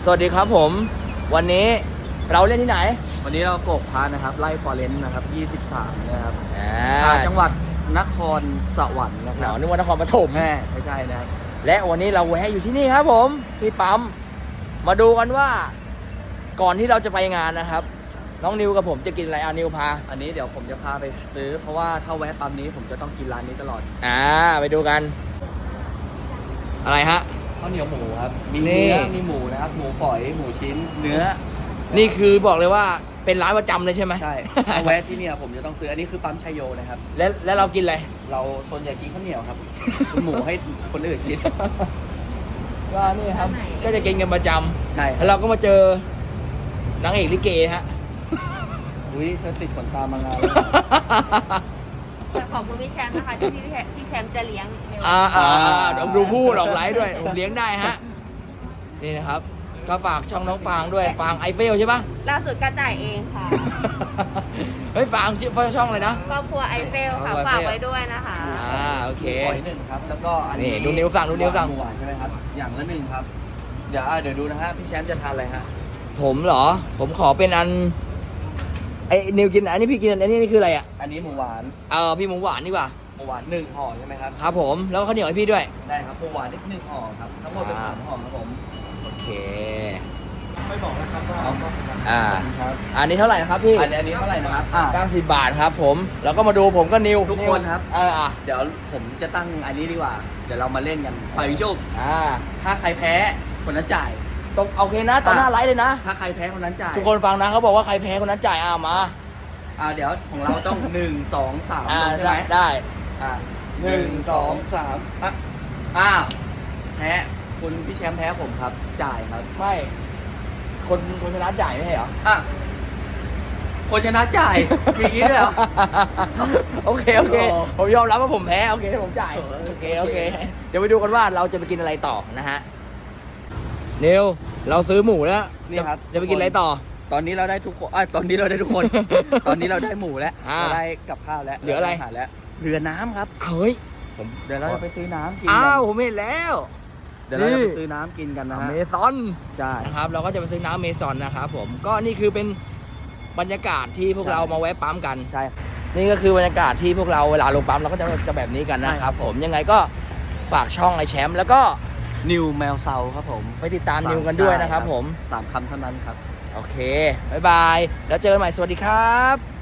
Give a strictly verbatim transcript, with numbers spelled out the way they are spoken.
สวัสดีครับผมวันนี้เราเล่นที่ไหนวันนี้เราโกกพานะครับไล่ฟอเรนต์นะครับยี่สิบสามนะครับอ่าจังหวัดนครสวรรค์นะคหรันาบวนึกว่านครปฐมแม่ไม่ใช่นะครับและวันนี้เราแวะอยู่ที่นี่ครับผมที่ปั๊มมาดูกันว่าก่อนที่เราจะไปงานนะครับน้องนิวกับผมจะกินอะไรอ่ะนิวพาอันนี้เดี๋ยวผมจะพาไปซื้อเพราะว่าถ้าแวะปั๊มนี้ผมจะต้องกินร้านนี้ตลอดอ่าไปดูกันอะไรฮะข้าวเหนียวหมูครับมีนี่เนื้อมีหมูนะครับหมูฝอยหมูชิ้นเนื้อนี่คือบอกเลยว่าเป็นร้านประจำเลยใช่ไหมใช่ถ้าแวะที่เนี่ยผมจะต้องซื้ออันนี้คือปั๊มชัยโยนะครับแล้วแล้วเรากินอะไรเราส่วนใหญ่กินข้าวเหนียวครับ คุณหมูให้คนอื่นกินก็นี่ครับก็จะกินกันประจำใช่แล้วเราก็มาเจอนางเอกลิเกฮะอุ้ยเธอติดขนตามางานเลยแต่ขอบคุณพี่แชมป์นะคะที่พี่แชมป์พี่แชมป์จะเลี้ยงเร็วอ่าอ่าอ่าเดี๋ยวดูพูดออกไลฟ์ด้วยผมเลี้ยงได้ฮะนี่นะครับก็ฝากช่องน้องฟางด้วยฟางไอเฟลใช่ปะล่าสุดก็จ่ายเองค่ะเฮ้ยฟางชื่อช่องเลยนะครอบครัวไอเฟลค่ะครอบครัวไอเฟลฝากไว้ด้วยนะคะอ่าโอเคหมูฝอยหนึ่งครับแล้วก็อันนี้นี่ดูนิ้วสั่งดูนิ้วสั่งหมูหวานใช่ไหมครับอย่างละหนึ่งครับเดี๋ยวอ่ะเดี๋ยวดูนะฮะพี่แชมป์จะทานอะไรฮะผมเหรอ ผมขอเป็นอันไอ้นิวกินอันนี้พี่กินอันนี้นี่คืออะไรอ่ะอันนี้หมูหวานเออพี่หมูหวานดีกว่าหมูหวานหนึ่งห่อใช่ไหมครับครับผมแล้วก็ข้าวเหนียวให้พี่ด้วยได้ครับหมูหวานนิดหนึ่งห่อครับทั้งหมดเป็นอ่าสามห่อครับผมโอเคไม่บอกนะครับว่าเอาอ่าครับอันนี้เท่าไหร่นะครับพี่อันนี้อันนี้เท่าไหร่นะครับอ่าเก้าสิบบาทครับผมแล้วก็มาดูผมก็นิวทุกคนครับเอออ่ะเดี๋ยวผมจะตั้งอันนี้ดีกว่า เดี๋ยวเรามาเล่นกันไปวิชุบอ่าถ้าใครแพ้คนนั้นจ่ายตรงโอเคนะตอนหน้าไลฟ์เลยนะถ้าใครแพ้คนนั้นจ่ายทุกคนฟังนะเขาบอกว่าใครแพ้คนนั้นจ่ายอ่ามาอ่าเดี๋ยวของเราต้องหนึ่งสองสามอ่าลงใช่ไหได้มได้อ่าหนึ่งสองสามอ่ะอ้าวแพ้คุณพี่แชมป์แพ้ผมครับ จ่ายครับไม่ คนคนชนะจ่ายไม่ใช่เหรออ่ะคนชนะจ่ายมีอย่างนี้ด้วยเหรอโอเคโอเคโอ้ผมยอมรับว่าผมแพ้โอเคผมจ่ายโอ้โอเคโอโอเคเค เดี๋ยวไปดูกันว่าเราจะไปกินอะไรต่อนะฮะนิวเราซื้อหมูแล้วนี่ครับจะจะไปกินอะไรต่อตอนนี้เราได้ทุกคนอ่ะตอนนี้เราได้ทุกคน ตอนนี้เราได้หมูแล้วอ่าเราได้กับข้าวแล้วเหลืออะไราาหารแล้วเหลือน้ำครับเฮ้ยผมเดี๋ยวเราจะไปซื้อน้ำกินอ้ากัวน ผมเห็นแล้วเดี๋ยวเราจะนี่ไปซื้อน้ำกินกันนะฮะเมซอนใช่นะครับเราก็จะไปซื้อน้ำเมซอนนะครับผมก็นี่คือเป็นบรรยากาศที่พวกเรามาแวะปั๊มกันใช่นี่ก็คือบรรยากาศที่พวกเราเวลาลงปั๊มเราก็จะจะแบบนี้กันนะใช่คครัรับบ ผมยังไงก็ฝากช่องไอแชมป์แล้วก็นิวแมวเซาครับผมไปติดตามนิวกันด้วยนะครับผมสามคำเท่านั้นครับโอเค บ๊ายบาย แล้วเจอกันใหม่ สวัสดีครับ